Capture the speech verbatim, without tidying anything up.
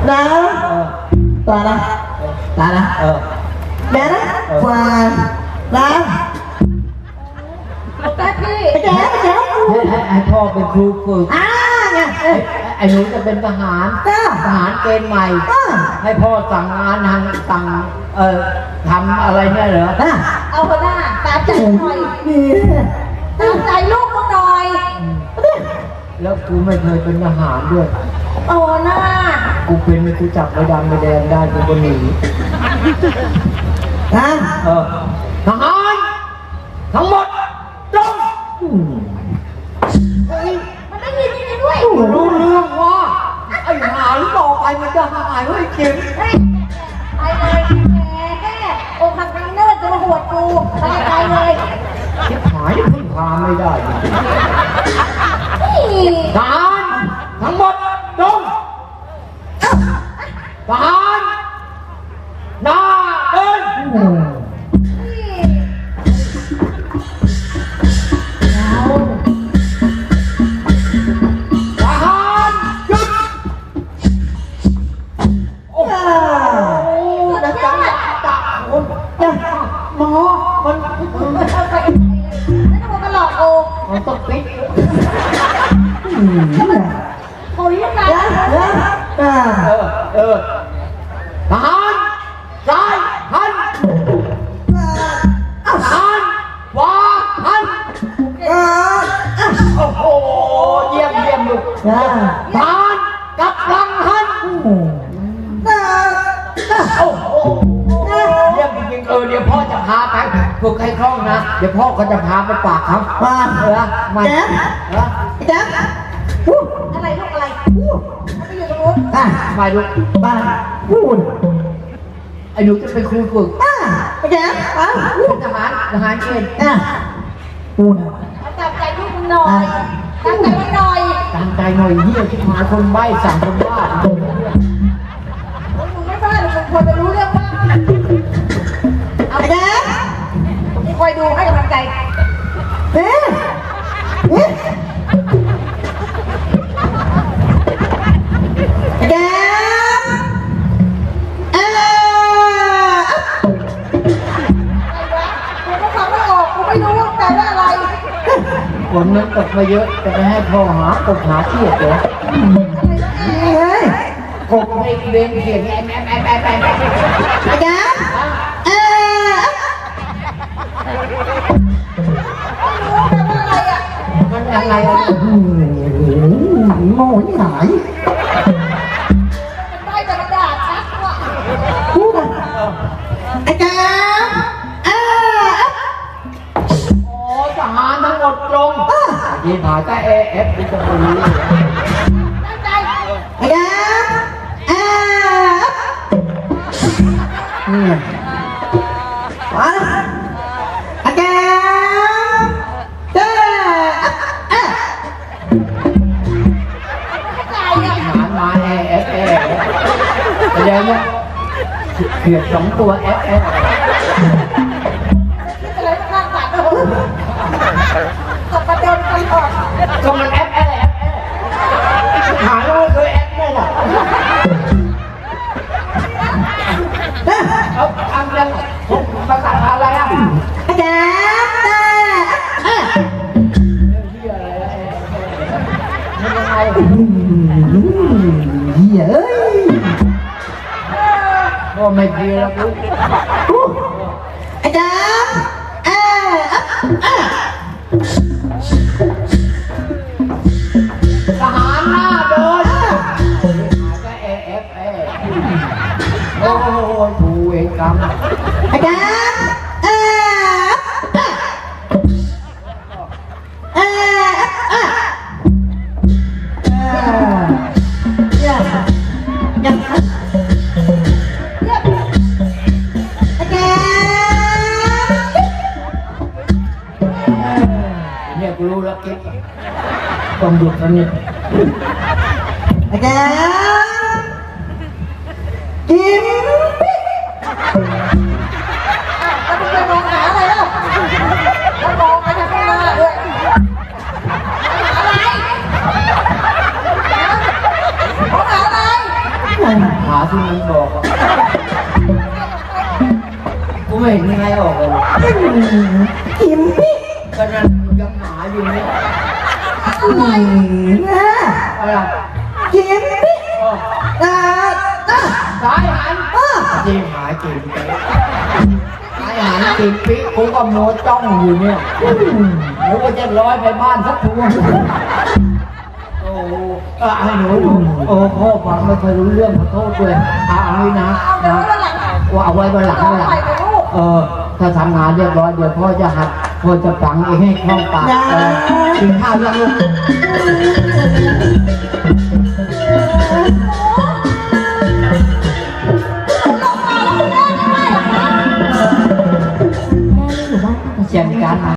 นะต่อนะต่อนะเออแม่นะกว่านะแป๊บพี่ไปแจ๊ไปแจ๊ไอ้พ่อเป็นครูฝึกอ่าไงไอ้หนูจะเป็นทหารทหารเกณฑ์ใหม่ให้พ่อสั่งงานทางสั่งเอ่อทำอะไรเนี่ยเหรอเอาเถอะหน้าตามใจหน่อยนี่ตามใจลูกมึงหน่อยแล้วกูไม่เคยเป็นทหารด้วยโอ้หน้ากูเป็นกูจับใบดำใบแดงได้กูก็หนีนะเออทหารทั้งหมดลงมันได้ยินจริงด้วยรู้เรื่องว่าไอ้ทหารต่อไปมันจะหายไว้จริงเฮ้ยไปเลยแหมโอ้คังคังเนิร์ดจะมาหวดกูไปไปเลยชิบหายพึ่งพาไม่ได้จริงนี่ทหารทั้งหมดลงทหารหน้าเดินทหารหยุดโอ้โหนะจ๊ะจ๊ะคนหมอมันเอาไปแล้วมันมาหลอกกูมันต้องปิดโอ้ยยังไงอ่าเออเออทหารซ้ายหันทหารขวาหันอ่าโอ้โหเยี่ยมเยี่ยมลูกอ่าทหารกลับหลังหันอ่าโอ้โหเยี่ยมจริงๆเออเดี๋ยวพ่อจะพาไปฝึกให้คล่องนะเดี๋ยวพ่อก็จะพาไปฝากเขามาเออมาแจ๊บเออแจ๊บอะไรลูกอะไรมันไปอยู่ตรงนู้นอ่ะมาลูกมาพูดไอ้หนูจะเป็นครูฝึกอ่ะแจ๊บอ่ะพูดทหารทหารเกณฑ์อ่ะพูดตามใจลูกมึงหน่อยตามใจมันหน่อยตามใจหน่อยเฮียที่หาคนใบ้สั่งคนบ้ามึงไม่บ้าหรอกมึงควรจะรู้เรื่องว่าเอาแจ๊บมึงคอยดูให้กำลังใจเอ๊ะเอ๊ะแจ๊บเอ๊ะกูก็ฟังไม่ออกกูไม่รู้ว่าแปลว่าอะไรฝนมันตกมาเยอะจะไปให้พ่อหากบหาเขียดเหรอเฮ้ยกบไม่เลี้ยงเขียดแอบแอบแอบแอบแอบแอบแจ๊บเอ๊ะมันอะไรอ่ะโง่ที่ไหนมันได้แต่กระดาษชักว่ะพูดอ่ะไอ้แจ๊บเอ๊ะโอ้ทหารทั้งหมดตรงยีผาก็เอเอฟดิจะไปรู้ตั้งใจไอ้แจ๊บเอ๊ะนี่มาไอ้แจ๊บเจ๊เอ๊ะใจอ่ะทหารมาเอเอฟเอแสดงว่าเขียดสองตัวเอฟเอฟคิดอะไรข้างฝันเลยตบประเด็นตลอดก็มันเอฟเอฟเอฟหาแล้วไม่เคยเอฟเลยล่ะเอาทำยังภาษาอะไรอ่ะไอ้แจ๊บเจ๊เอ๊ะมันยังไงเหี้ยเอ้ยก็ไม่ดีแล้วลูกไอ้แจ๊บเอ๊ะเอ๊ะทหารหน้าเดินก็เอเอฟเอโอ้ยกูเองกรรมไอ้แจ๊บเอ๊ะเอ๊ะเอ๊ะอย่าอย่าไอ้แจ๊บเนี่ยกูรู้แล้วกิ๊บต้องหยุดแล้วเนี่ยไอ้แจ๊บกินปิ๊กแล้วมึงจะมองหาอะไรล่ะแล้วมองไปทางข้างหน้าด้วยหาอะไรมองหาอะไรที่มันบอกอะกูไม่เห็นใครออกเลยกินพี่ก็นั่นยังหาอยู่เนี่ยอืมนะอะไรกินพี่เอออ่าอ่ะสายหันอ่ะจีหายกินไปสายหันกินปิ๊กกูก็โมจ้องอยู่เนี่ยเดี๋ยวก็จะร้อยไปบ้านสักทัวโอ้เออให้หนูหนูโอ้พ่อฟังไม่เคยรู้เรื่องขอโทษด้วยเอาเอาไว้นะเอาเดี๋ยววันหลังว่าเอาไว้วันหลังต่อวันหลังไปกับลูกเออถ้าทำงานเรียบร้อยเดี๋ยวพ่อจะหัดพ่อจะฝังเองให้คล่องปากเออกินข้าวยังลูก